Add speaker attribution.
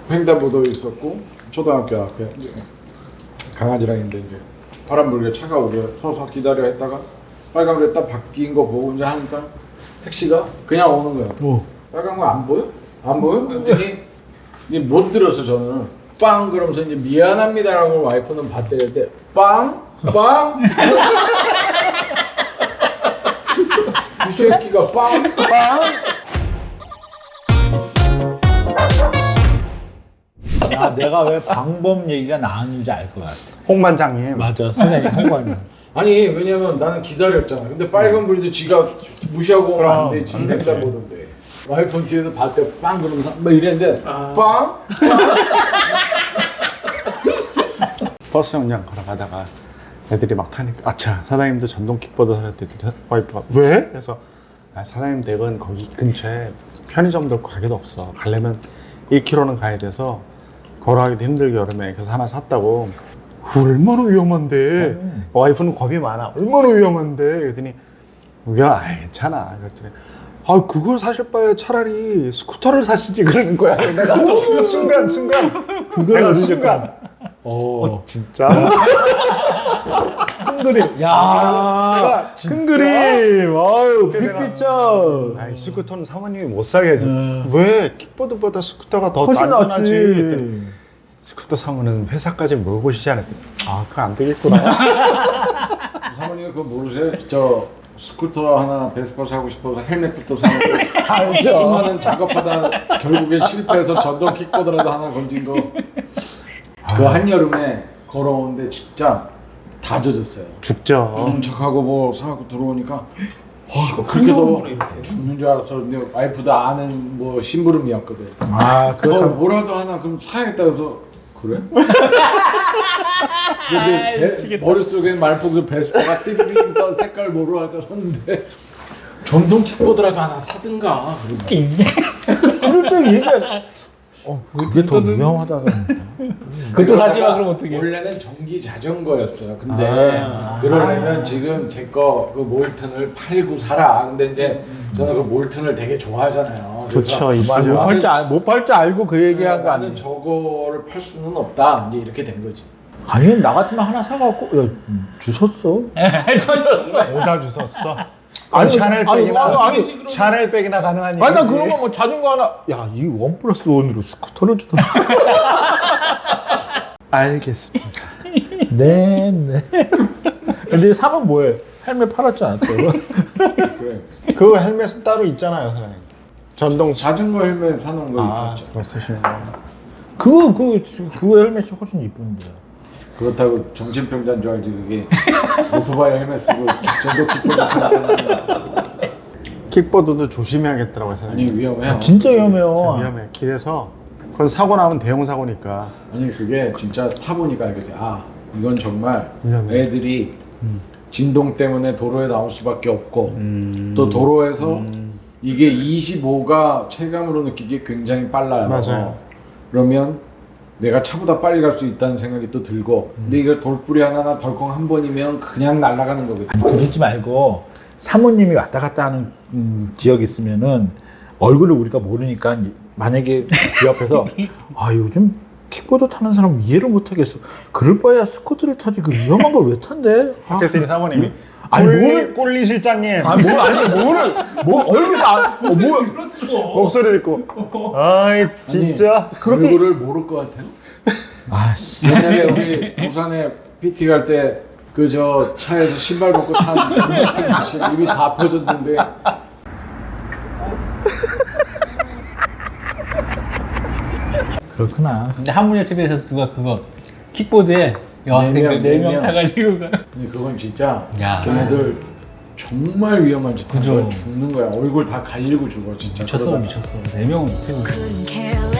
Speaker 1: 횡단보도에 있었고 초등학교 앞에 이제 강아지랑 있는데 이제 바람 불게 차가 오게 서서 기다려 했다가 빨간불에 딱 바뀐 거 보고 이제 하니까 택시가 그냥 오는 거야. 빨간 거 안 보여? 안 보여? 그랬더니 이제 못 들었어 저는. 빵 그러면서 이제 미안합니다라고 와이프는 봤대요. 때 빵? 빵? 이 새끼가 빵? 빵?
Speaker 2: 야, 내가 왜 방법 얘기가 나왔는지 알 것 같아.
Speaker 3: 홍반장님.
Speaker 2: 맞아, 선생님 홍반장.
Speaker 1: 아니 왜냐면 나는 기다렸잖아. 근데 빨간 불인데 지가 무시하고 오면 안 되지. 횡단 보던데. 와이프는 뒤에서 봤대 빵 그러면서 막 이랬는데 빵?
Speaker 3: 버스 정류장 걸어가다가 애들이 막 타니까 아차 사장님도 전동 킥보드 하셨대. 와이프가 왜? 그래서 아, 사장님 댁은 거기 근처에 편의점도 없고 가게도 없어. 가려면 1km는 가야 돼서 걸어가기도 힘들게 여름에. 그래서 하나 샀다고. 얼마나 위험한데. 와이프는 겁이 많아. 얼마나 위험한데. 그랬더니 야 괜찮아. 그랬더니 아 그걸 사실 바에 차라리 스쿠터를 사시지 그러는 거야. 내가 순간 내가 순간 진짜? 큰 그림.
Speaker 2: 야, 큰 그림. 아유, 빅피처.
Speaker 3: 아이 스쿠터는 사모님이 못 사게 해줘. 왜? 킥보드보다 스쿠터가 더
Speaker 2: 훨씬
Speaker 3: 안전하지.
Speaker 2: 낫지.
Speaker 3: 그랬더니 스쿠터 사면은 회사까지 몰고 오시지 않았더니 아 그거 안 되겠구나.
Speaker 1: 사모님이 그거 모르세요? 저 스쿠터 하나 베스파 사고 싶어서 헬멧부터 사놓고
Speaker 2: 알죠.
Speaker 1: 수많은 작업하다 결국에 실패해서 전동 킥보드라도 하나 건진 거. 그 한여름에 걸어오는데 진짜 다 젖었어요.
Speaker 3: 죽죠.
Speaker 1: 척하고 뭐 사갖고 들어오니까 그렇게 더 죽는 줄 알았어. 근데 와이프도 아는 뭐 심부름이었거든.
Speaker 2: 아, 그렇다고.
Speaker 1: 뭐라도 하나 그럼 사야겠다 그래서 그래? 근데 머릿속에는 말풍선 베스파가 띠리링 떠 색깔 모르니까 샀는데 전동 킥보드라도 하나 사든가.
Speaker 2: 그럴 때 얘기. 그게 더 위험하다던데. 그것도 사지 마 그럼 어떻게?
Speaker 1: 원래는 전기 자전거였어요. 근데
Speaker 2: 아.
Speaker 1: 그러려면 지금 제 거 그 몰튼을 팔고 살아. 근데 이제 저는 그 몰튼을 되게 좋아하잖아요.
Speaker 3: 좋죠.
Speaker 1: 그래서
Speaker 3: 이쁘죠.
Speaker 2: 못 팔 줄 알고 그 얘기한 거
Speaker 1: 나는
Speaker 2: 아니야?
Speaker 1: 저거를 팔 수는 없다. 이제 이렇게 된 거지.
Speaker 2: 아니 나 같으면 하나 사갖고 야 주웠어.
Speaker 3: 오다 주웠어.
Speaker 2: 아니,
Speaker 3: 샤넬백이나
Speaker 2: 아니,
Speaker 3: 샤넬백이나 가능한
Speaker 2: 아니 나
Speaker 3: 얘기지.
Speaker 2: 그러면 뭐 자전거 하나. 야 이 1+1으로 스쿠터를 주던가.
Speaker 3: 알겠습니다.
Speaker 2: 네. 근데 사면 뭐해? 헬멧 팔았지 않았대요?
Speaker 1: 그래.
Speaker 3: 그 헬멧은 따로 있잖아요, 사장님. 전동
Speaker 1: 자전거 헬멧 사놓은 거
Speaker 3: 아,
Speaker 1: 있었죠.
Speaker 3: 그거 쓰시네요.
Speaker 2: 그거 헬멧이 훨씬 이쁜데.
Speaker 1: 그렇다고 정신병자인 줄 알지 그게. 오토바이 헬멧 쓰고 전동 킥보드 타는
Speaker 3: 킥보드도 조심해야겠더라고요,
Speaker 1: 아니
Speaker 3: 사장님.
Speaker 1: 위험해요.
Speaker 2: 진짜 위험해요.
Speaker 3: 위험해. 길에서 그건 사고 나면 대형 사고니까.
Speaker 1: 아니 그게 진짜 타보니까 알겠어요. 아 이건 정말
Speaker 3: 위험해.
Speaker 1: 애들이 진동 때문에 도로에 나올 수밖에 없고
Speaker 3: 음.
Speaker 1: 또 도로에서 이게 25가 체감으로 느끼기에 굉장히 빨라요.
Speaker 3: 맞아요.
Speaker 1: 그러면 내가 차보다 빨리 갈 수 있다는 생각이 또 들고 근데 이거 돌뿌리 하나나 덜컹 한 번이면 그냥 날아가는 거거든요.
Speaker 2: 아니 그러지 말고 사모님이 왔다 갔다 하는 지역이 있으면은 얼굴을 우리가 모르니까 만약에 그 옆에서 아 요즘 킥보드 타는 사람 이해를 못하겠어. 그럴 바에야 스쿠터를 타지 그 위험한 걸 왜 탄대? 아,
Speaker 3: 그랬더니 사모님이
Speaker 2: 아니,
Speaker 3: 꼴리 실장님
Speaker 2: 아니 뭐 얼굴이
Speaker 3: 목소리 듣고 아이 진짜
Speaker 2: 그렇게-
Speaker 1: 얼굴을 모를 것 같아요.
Speaker 2: 아씨.
Speaker 1: 옛날에 우리 부산에 PT 갈 때 그 저 차에서 신발 벗고 탄 학생 입이 다 펴졌는데
Speaker 2: 그렇구나. 근데 한문여 집에서 누가 그거 킥보드에 여학생들
Speaker 1: 네
Speaker 2: 4명
Speaker 1: 명.
Speaker 2: 타가지고 가.
Speaker 1: 근데 그건 진짜
Speaker 2: 야.
Speaker 1: 걔네들 정말 위험한 짓 하는
Speaker 2: 그죠.
Speaker 1: 거야. 죽는 거야. 얼굴 다 갈리고 죽어 진짜.
Speaker 2: 미쳤어
Speaker 1: 그러다가.
Speaker 2: 미쳤어. 4명은 못해.
Speaker 4: couldn't care